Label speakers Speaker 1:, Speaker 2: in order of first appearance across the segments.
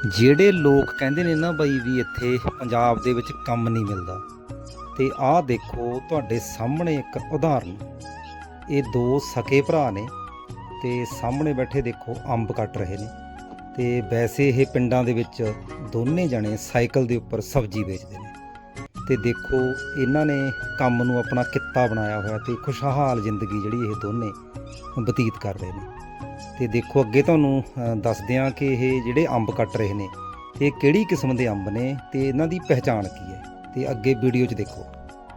Speaker 1: ਜਿਹੜੇ ਲੋਕ ਕਹਿੰਦੇ ਨੇ ਨਾ ਬਈ ਵੀ ਇੱਥੇ ਪੰਜਾਬ ਦੇ ਵਿੱਚ ਕੰਮ ਨਹੀਂ ਮਿਲਦਾ, ਤੇ ਆਹ ਦੇਖੋ ਤੁਹਾਡੇ ਸਾਹਮਣੇ ਇੱਕ ਉਦਾਹਰਨ। ਇਹ ਦੋ ਸਕੇ ਭਰਾ ਨੇ ਤੇ ਸਾਹਮਣੇ ਬੈਠੇ ਦੇਖੋ ਅੰਬ ਕੱਟ ਰਹੇ ਨੇ। ਤੇ ਵੈਸੇ ਇਹ ਪਿੰਡਾਂ ਦੇ ਵਿੱਚ ਦੋਨੇ ਜਣੇ ਸਾਈਕਲ ਦੇ ਉੱਪਰ ਸਬਜ਼ੀ ਵੇਚਦੇ ਨੇ। ਤੇ ਦੇਖੋ ਇਹਨਾਂ ਨੇ ਕੰਮ ਨੂੰ ਆਪਣਾ ਕਿੱਤਾ ਬਣਾਇਆ ਹੋਇਆ ਤੇ ਖੁਸ਼ਹਾਲ ਜ਼ਿੰਦਗੀ ਜਿਹੜੀ ਇਹ ਦੋਨੇ ਬਤੀਤ ਕਰ ਰਹੇ ਨੇ। ਤੇ ਦੇਖੋ ਅੱਗੇ ਤੁਹਾਨੂੰ ਦੱਸਦੇ ਹਾਂ ਕਿ ਇਹ ਜਿਹੜੇ ਅੰਬ ਕੱਟ ਰਹੇ ਨੇ ਇਹ ਕਿਹੜੀ ਕਿਸਮ ਦੇ ਅੰਬ ਨੇ ਤੇ ਇਹਨਾਂ ਦੀ ਪਹਿਚਾਣ ਕੀ ਹੈ। ਤੇ ਅੱਗੇ ਵੀਡੀਓ 'ਚ ਦੇਖੋ।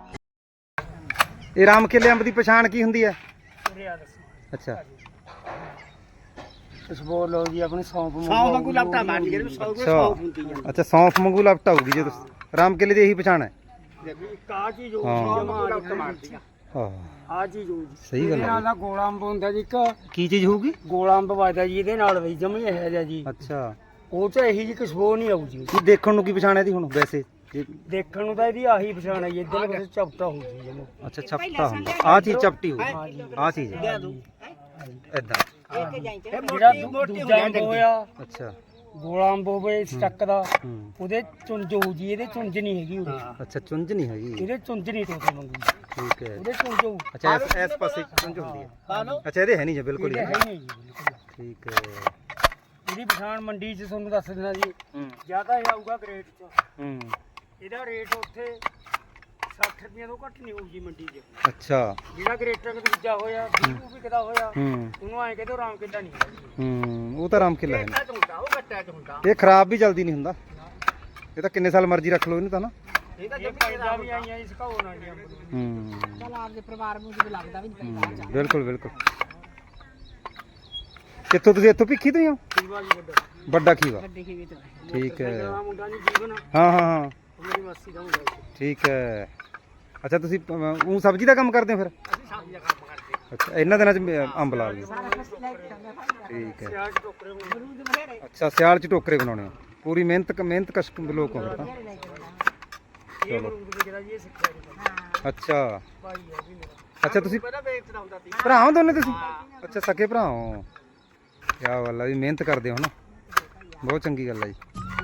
Speaker 1: ਇਹ ਰਾਮ ਕੇਲੇ ਅੰਬ ਦੀ ਪਛਾਣ ਕੀ ਹੁੰਦੀ ਹੈ? ਅੱਛਾ
Speaker 2: ਖੁਸ਼ਬੂ ਲਓ ਜੀ ਆਪਣੀ ਸੌਂਫ
Speaker 3: ਵਾਂਗੂ ਲਪਟਾ ਮਾਰ ਲਈ ਜਿਹੜੀ ਸੌਂਫ ਹੁੰਦੀ ਹੈ।
Speaker 1: ਅੱਛਾ ਸੌਂਫ ਵਾਂਗੂ ਲਪਟਾ ਹੋਊਗੀ ਜੇ ਰਾਮ ਕੇਲੇ ਦੀ ਇਹੀ ਪਛਾਣ ਹੈ।
Speaker 2: ਕਾ ਚੀਜ਼ ਹੋ
Speaker 1: ਹਾਂ।
Speaker 2: ਜਮਾ ਲਪਟਾ ਮਾਰਦੀ ਆ
Speaker 1: ਹਾਂ
Speaker 2: ਆ ਚੀਜ਼ ਹੋ
Speaker 1: ਸਹੀ ਗੱਲ
Speaker 2: ਨਾਲ
Speaker 1: ਹੈ।
Speaker 2: ਦਾ ਗੋਲਾ ਅੰਬ ਹੁੰਦਾ ਜੀ, ਇੱਕ
Speaker 1: ਕੀ ਚੀਜ਼ ਹੋਊਗੀ?
Speaker 2: ਗੋਲਾ ਅੰਬ ਵੱਜਦਾ ਜੀ ਇਹਦੇ ਨਾਲ ਵੀ ਜਮੀ ਇਹ ਜਿਹਾ ਜੀ।
Speaker 1: ਅੱਛਾ
Speaker 2: ਉਹ ਚ ਇਹੀ ਜੀ ਖੁਸ਼ਬੂ ਨਹੀਂ ਆਊ ਜੀ।
Speaker 1: ਕੀ ਦੇਖਣ ਨੂੰ ਕੀ ਪਛਾਣ ਹੈ ਦੀ ਹੁਣ ਵੈਸੇ?
Speaker 2: ਦੇਖਣ ਨੂੰ ਤਾਂ ਇਹਦੀ ਆਹੀ ਪਛਾਣ ਹੈ ਜੀ। ਇੱਧਰ ਪਾਸੇ ਚਪਟਾ ਹੋ ਜੀ ਜਮਾ।
Speaker 1: ਅੱਛਾ ਚਪਟਾ ਹੁੰਦਾ, ਆਹ ਚੀਜ਼ ਚਪਟੀ ਹੋਊਗੀ, ਆਹ ਚੀਜ਼ ਏਦਾਂ।
Speaker 2: ਜਿਹੜਾ ਦੂਜਾ ਅੰਬ ਹੋਇਆ
Speaker 1: ਅੱਛਾ
Speaker 2: ਗੋਲਾ ਅੰਬ ਹੋਵੇ ਸਟੱਕ ਦਾ,
Speaker 1: ਹੂੰ।
Speaker 2: ਉਹਦੇ ਚੁੰਝ ਹੋਊ ਜੀ। ਇਹਦੇ ਚੁੰਝ ਨਹੀਂ ਹੈਗੀ ਉਰੇ।
Speaker 1: ਅੱਛਾ ਚੁੰਝ ਨਹੀਂ ਹੈਗੀ।
Speaker 2: ਇਹਦੇ ਚੁੰਝ ਨਹੀਂ ਟੋਟੇ ਮੰਗੂ,
Speaker 1: ਠੀਕ ਹੈ।
Speaker 2: ਉਹਦੇ ਚੁੰਝ ਹੋਊ।
Speaker 1: ਅੱਛਾ ਇਸ ਪਾਸੇ ਚੁੰਝ ਹੁੰਦੀ ਹੈ। ਅੱਛਾ ਇਹਦੇ ਹੈ ਨਹੀਂ ਜੀ ਬਿਲਕੁਲ
Speaker 2: ਇਹਦੇ
Speaker 1: ਹੀ।
Speaker 2: ਹੈ ਨਹੀਂ ਜੀ ਬਿਲਕੁਲ।
Speaker 1: ਠੀਕ ਹੈ।
Speaker 2: ਇਹਦੀ ਪਛਾਣ ਮੰਡੀ 'ਚ ਤੁਹਾਨੂੰ ਦੱਸ ਦਿੰਦਾ ਜੀ।
Speaker 1: ਹੂੰ
Speaker 2: ਜ਼ਿਆਦਾ ਜਾਊਗਾ ਗ੍ਰੇਟ 'ਚ।
Speaker 1: ਹੂੰ
Speaker 2: ਇਹਦਾ ਰੇਟ ਉੱਥੇ 60 ਰੁਪਏ ਤੋਂ ਘੱਟ ਨਹੀਂ ਹੋਊ ਜੀ ਮੰਡੀ 'ਚ।
Speaker 1: ਅੱਛਾ
Speaker 2: ਜਿਹੜਾ ਗ੍ਰੇਟਰ ਦਾ ਦੂਜਾ ਹੋਇਆ 20 ਨੂੰ ਵਿਕਦਾ ਹੋਇਆ,
Speaker 1: ਹੂੰ
Speaker 2: ਉਹਨੂੰ ਐਂ ਕਹਿੰਦੇ ਰਾਮ ਕਿੱਦਾਂ ਨਹੀਂ ਹੈਗਾ।
Speaker 1: ਹੂੰ ਉਹ ਤਾਂ ਰਾਮ ਕਿਲਾ ਹੈ ਨਾ।
Speaker 3: ਉਹ ਕੱਟਿਆ ਚ ਹੁੰਦਾ
Speaker 1: ਇਹ ਖਰਾਬ ਵੀ ਜਲਦੀ ਨਹੀਂ ਹੁੰਦਾ। ਇਹ ਤਾਂ ਕਿੰਨੇ ਸਾਲ ਮਰਜ਼ੀ ਰੱਖ ਲਓ ਇਹਨੂੰ ਤਾਂ ਨਾ।
Speaker 3: ਇਹ ਤਾਂ
Speaker 2: ਇਹ ਪੈਦਾ ਵੀ ਆਈਆਂ ਇਸ ਘਾਉ ਨਾਲ ਜੀ ਅੰਬ ਨੂੰ।
Speaker 1: ਹੂੰ
Speaker 3: ਚਲ ਆਪਦੇ ਪਰਿਵਾਰ ਨੂੰ ਜਿਵੇਂ ਲੱਗਦਾ ਵੀ ਨਹੀਂ
Speaker 1: ਬਿਲਕੁਲ ਬਿਲਕੁਲ। ਕਿੱਥੋਂ ਤੁਸੀਂ? ਇੱਥੋਂ ਭਿੱਖੀ ਤੋਂ ਹੀ ਹੋ?
Speaker 2: ਖੀਵਾ ਜੀ ਵੱਡਾ
Speaker 1: ਵੱਡਾ ਖੀਵਾ।
Speaker 3: ਵੱਡੇ ਖੇਵੇ ਤੋਂ
Speaker 1: ਠੀਕ ਹੈ।
Speaker 2: ਮੇਰਾ ਮੁੰਡਾ ਨਹੀਂ ਜੀਵਨ,
Speaker 1: ਹਾਂ ਹਾਂ ਹਾਂ
Speaker 2: ਉਹ ਮੇਰੀ ਮਾਸੀ ਦਾ ਮੁੰਡਾ ਜੀ।
Speaker 1: ਠੀਕ ਹੈ। ਅੱਛਾ ਤੁਸੀਂ ਉਹ ਸਬਜ਼ੀ ਦਾ ਕੰਮ ਕਰਦੇ ਹੋ ਫਿਰ?
Speaker 3: ਅਸੀਂ ਸਬਜ਼ੀ ਦਾ ਕੰਮ ਕਰਦੇ
Speaker 1: ਅੱਛਾ ਇਹਨਾਂ ਦਿਨਾਂ 'ਚ ਅੰਬ ਲਾ ਲਏ। ਠੀਕ ਹੈ।
Speaker 2: ਸਿਆਲ 'ਚ ਟੋਕਰੇ ਹੁੰਦੇ।
Speaker 3: ਅਮਰੂਦ ਬਥੇਰੇ
Speaker 1: ਅੱਛਾ ਸਿਆਲ 'ਚ ਟੋਕਰੇ ਬਣਾਉਣੇ ਆ। ਪੂਰੀ ਮਿਹਨਤ ਕਸ਼ ਲੋਕ ਹੋ ਫਿਰ ਤਾਂ।
Speaker 2: ਇਹ ਅਮਰੂਦ ਵਿਕਦਾ ਜੀ, ਇਹ ਸਿੱਖਿਆ ਜੀ
Speaker 1: ਅੱਛਾ
Speaker 2: ਭਾਈ ਹੈ ਜੀ ਮੇਰਾ।
Speaker 1: ਅੱਛਾ ਤੁਸੀਂ
Speaker 3: ਪਹਿਲਾਂ ਵੇਚਦਾ ਹੁੰਦਾ ਸੀ।
Speaker 1: ਭਰਾ ਹੋ ਦੋਨੇ ਤੁਸੀਂ? ਅੱਛਾ ਸਕੇ ਭਰਾ ਹੋ। ਕਿਆ ਗੱਲ ਆ ਵੀ ਮਿਹਨਤ ਕਰਦੇ ਹੋ ਨਾ, ਬਹੁਤ ਚੰਗੀ ਗੱਲ ਆ ਜੀ।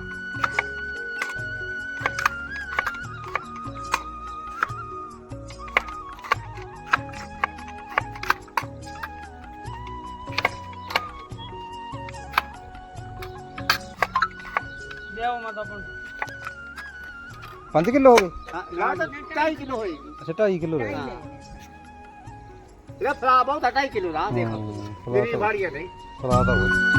Speaker 2: ਲਿਆਓ ਮਾਤਾ ਪਣ
Speaker 1: 5 ਕਿਲੋ ਹੋ ਗਏ?
Speaker 3: ਨਾ ਤਾਂ 2.5 ਕਿਲੋ ਹੋਏਗੀ।
Speaker 1: ਅੱਛਾ 2.5 ਕਿਲੋ ਰਹਿ
Speaker 3: ਇਹਦਾ ਫਲਾ ਬਹੁਤ 2.5 ਕਿਲੋ ਦਾ ਦੇਖੋ
Speaker 1: ਗਏ।
Speaker 3: ਮੇਰੀ ਵਾੜੀ ਹੈ ਨਹੀਂ।
Speaker 1: ਸਲਾਦ ਆ